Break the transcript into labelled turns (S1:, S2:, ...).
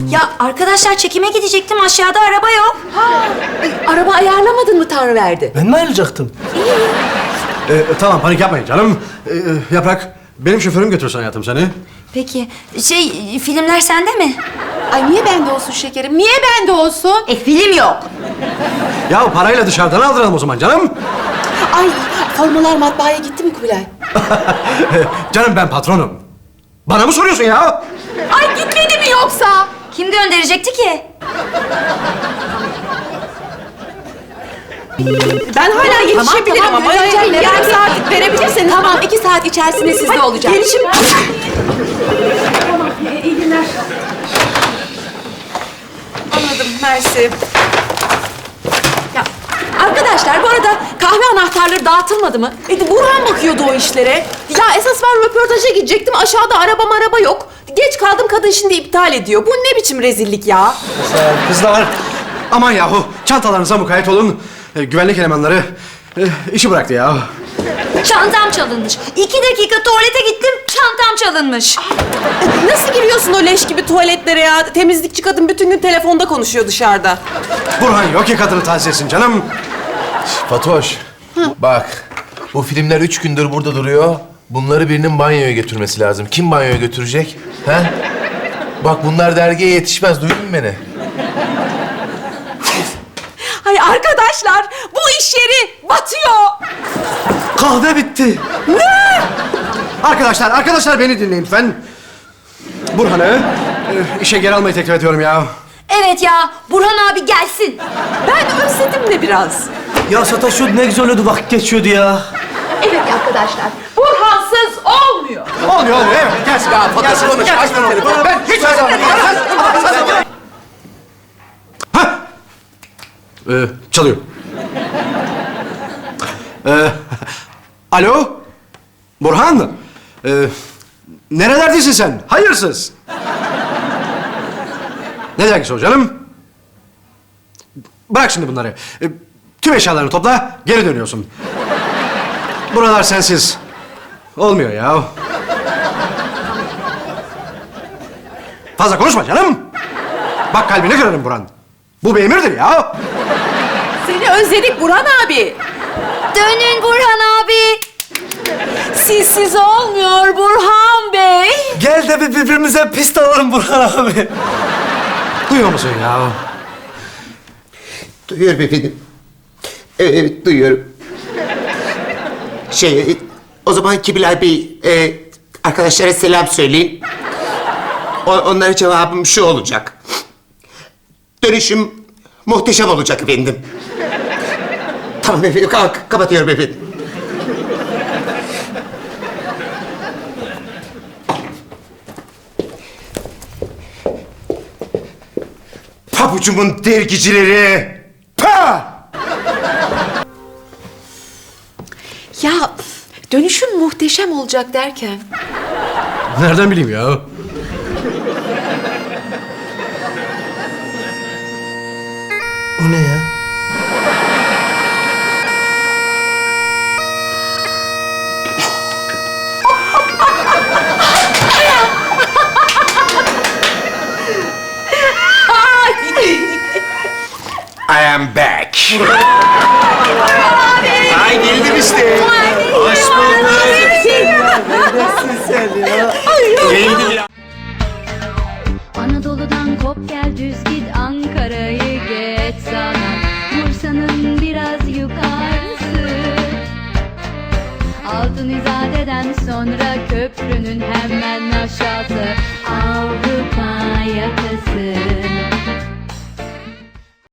S1: Ya arkadaşlar çekime gidecektim. Aşağıda araba yok.
S2: Araba ayarlamadın mı Tanrıverdi?
S3: Ben mi ayrılacaktım?
S4: Tamam, panik yapmayın canım. Yaprak, benim şoförüm götürsün hayatım seni.
S1: Peki filmler sende mi?
S2: Ay niye bende olsun şekerim? Niye bende olsun?
S1: Film yok.
S4: Ya parayla dışarıdan aldıralım o zaman canım.
S2: Ay formalar matbaaya gitti mi Kubilay?
S4: Canım ben patronum. Bana mı soruyorsun ya?
S2: Ay gitmedi mi yoksa?
S1: Kim gönderecekti ki?
S2: Ben hala yetişebilirim ama yarım saat verebilirseniz. Tamam 2 saat içerisinde sizde olacak. Gelişim. Tamam iyi günler. Anladım mersi. Ya arkadaşlar bu arada kahve anahtarları dağıtılmadı mı? Burhan bakıyordu o işlere. Ya esas ben röportaja gidecektim. Aşağıda araba yok. Geç kaldım kadın şimdi iptal ediyor. Bu ne biçim rezillik ya?
S4: Kızlar, aman yahu çantalarınıza mukayyet olun. Güvenlik elemanları işi bıraktı ya.
S1: Çantam çalınmış. 2 dakika tuvalete gittim, çantam çalınmış.
S2: Nasıl giriyorsun o leş gibi tuvaletlere ya? Temizlikçi kadın bütün gün telefonda konuşuyor dışarıda.
S4: Burhan yok ki kadını taciz etsin canım.
S5: Fatoş, bak bu filmler 3 gündür burada duruyor. Bunları birinin banyoya götürmesi lazım. Kim banyoya götürecek? He? Bak bunlar dergiye yetişmez. Duydun mu beni?
S2: Hay arkadaşlar bu iş yeri batıyor.
S4: Kahve bitti. Ne? Arkadaşlar beni dinleyin lütfen. Burhan'ı işe geri almayı teklif ediyorum ya.
S1: Evet ya, Burhan abi gelsin.
S2: Ben özledim de biraz.
S3: Ya Sataş ne güzel oluyordu, vakit geçiyordu ya.
S2: Evet arkadaşlar Burhansız olmuyor.
S4: Olmuyor evet gelsin.
S5: Ya Fatoş konuş. Açma telefonu.
S4: Ben hiç çalıyor. Alo? Burhan? Nerelerdesin sen? Hayırsız. Ne dergisi o canım? Bırak şimdi bunları. Tüm eşyalarını topla, geri dönüyorsun. Buralar sensiz. Olmuyor ya. Fazla konuşma canım. Bak kalbini kırarım Burhan. Bu bir emirdir ya.
S2: Seni özledik Burhan abi.
S1: Dönün Burhan abi.
S2: Sizsiz olmuyor Burhan Bey.
S3: Gel de birbirimize pist alalım Burhan abi.
S4: Duyuyor musun ya?
S6: Duyuyorum efendim. Evet, duyuyorum. O zaman Kibilay Bey, arkadaşlara selam söyleyin. Onlara cevabım şu olacak. Dönüşüm muhteşem olacak efendim. Tamam efendim, kapatıyorum efendim. Pabucumun dergicileri! Pa!
S2: Ya dönüşüm muhteşem olacak derken.
S4: Nereden bileyim ya?
S3: O ne ya?
S6: I am back. Ay geldim işte. Hoş bulduk.
S3: Neredesin sen ya?
S6: Geldim ya.
S7: Anadolu'dan kop gel düz git Ankara'yı geç sana Bursa'nın biraz yukarısı Altın İzade'den sonra köprünün hemen aşağısı Avrupa yakası